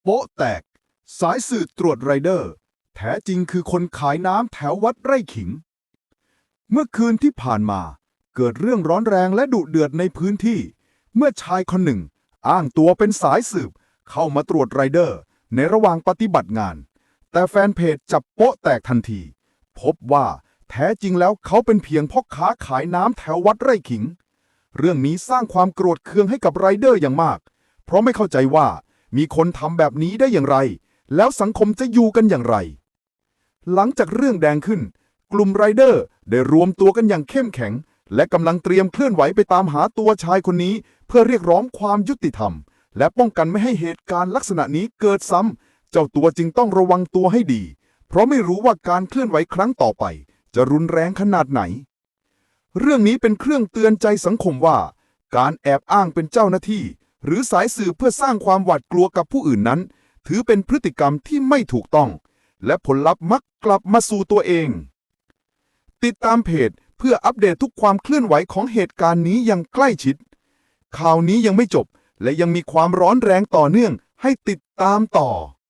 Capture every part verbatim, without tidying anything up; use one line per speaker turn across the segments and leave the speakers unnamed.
โป๊ะแตกสายสืบตรวจไรเดอร์แท้จริงคือคนขายน้ำแถววัดไร่ขิงเมื่อคืนที่ผ่านมาเกิดเรื่องร้อนแรงและดุเดือดในพื้นที่เมื่อชายคนหนึ่งอ้างตัวเป็นสายสืบเข้ามาตรวจไรเดอร์ในระหว่างปฏิบัติงานแต่แฟนเพจจับโป๊ะแตกทันทีพบว่าแท้จริงแล้วเขาเป็นเพียงพ่อค้าขายน้ำแถววัดไร่ขิงเรื่องนี้สร้างความโกรธเคืองให้กับไรเดอร์อย่างมากเพราะไม่เข้าใจว่ามีคนทำแบบนี้ได้อย่างไรแล้วสังคมจะอยู่กันอย่างไรหลังจากเรื่องแดงขึ้นกลุ่มไรเดอร์ได้รวมตัวกันอย่างเข้มแข็งและกำลังเตรียมเคลื่อนไหวไปตามหาตัวชายคนนี้เพื่อเรียกร้องความยุติธรรมและป้องกันไม่ให้เหตุการณ์ลักษณะนี้เกิดซ้ำเจ้าตัวจึงต้องระวังตัวให้ดีเพราะไม่รู้ว่าการเคลื่อนไหวครั้งต่อไปจะรุนแรงขนาดไหนเรื่องนี้เป็นเครื่องเตือนใจสังคมว่าการแอบอ้างเป็นเจ้าหน้าที่หรือสายสืบเพื่อสร้างความหวาดกลัวกับผู้อื่นนั้นถือเป็นพฤติกรรมที่ไม่ถูกต้องและผลลัพธ์มักกลับมาสู่ตัวเองติดตามเพจเพื่ออัปเดตทุกความเคลื่อนไหวของเหตุการณ์นี้อย่างใกล้ชิดข่าวนี้ยังไม่จบและยังมีความร้อนแรงต่อเนื่องให้ติดตามต่อ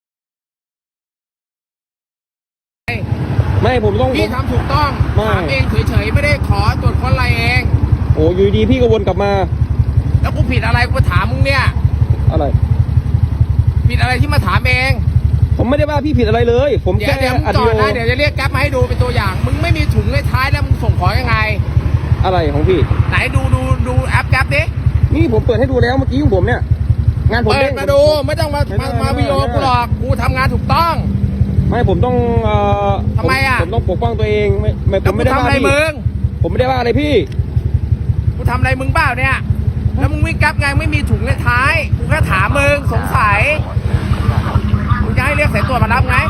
ไม่ผมต้อง
พี่ทำถูกต้อง
ไม่
ถามเองเฉยๆไม่ได้ขอตรวจค้นอะไรเอง
โอ้อยู่ดีพี่ก็วนกลับมา
แล้วกูผิดอะไรกูถามมึงเนี่ย
อะไร
ผิดอะไรที่มาถามเอง
ผมไม่ได้ว่าพี่ผิดอะไรเลย ผม
เดี๋ย
แค่
วเดี๋ยวมึง
อัด
จอ
วิ
ด
ดีโอ
นะเดี๋ยวจะเรียกแก๊ปมาให้ดูเป็นตัวอย่าง มึงไม่มีถุงในท้ายแล้วมึงส่งของยังไง
อะไรของพี่
ไหนดูดูดูแอปแก๊ปดิ
นี่ผมเปิดให้ดูแล้วเมื่อกี้ของผมเนี่ยงานผม
เปิด
ด้ง
มาดูไม่ต้องมา
ไม่ได้
มามา
ไม่ได้
วิดีโอกูหรอกกูทำงานถูกต้อง
ไม่ผมต้องเอ่อ
ทำไมอะ
ผมต้องปกป้องตัวเองไม่ไม่ผ
แล้ว
ม
กู
ไม่ได้
ทำ
ว่า
อะไร
พี่
มึง
ผมไม่ได้ว่าอะไรพี่
กูทำอะไรมึงเปล่าเนี่ยแล้วมึงวิ่งแก๊ปไงไม่มีถุงในท้ายกูแค่ถามมึงสงสัยมึงจะให้เรียกสายตรวจมารับไง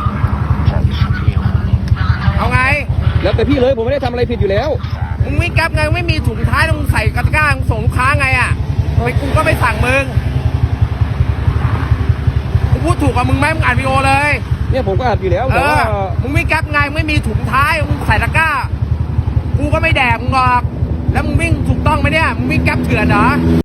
เอาไง
แล้วแต่พี่เลยผมไม่ได้ทำอะไรผิดอยู่แล้ว
มึงวิ่งแก๊ปไงไม่มีถุงท้ายแล้วมึงใส่กระก้ามึงส่งลูกค้าไงอ่ะไปกูก็ไม่สั่งมึงกูพูดถูกกับมึงไหมมึงอ่านวีดีโอเลย
เนี่ยผมก็อัดอยู่แล้ว
เอ
แต่ว่า
อมึงวิ่งแก๊ปไงไม่มีถุงท้ายมึงใส่ตะกร้ากูก็ไม่แดกมึงหรอกแล้วมึงวิ่งถูกต้องไหมเนี่ยมึงวิ่งแก๊ปเถื่อนเหรอ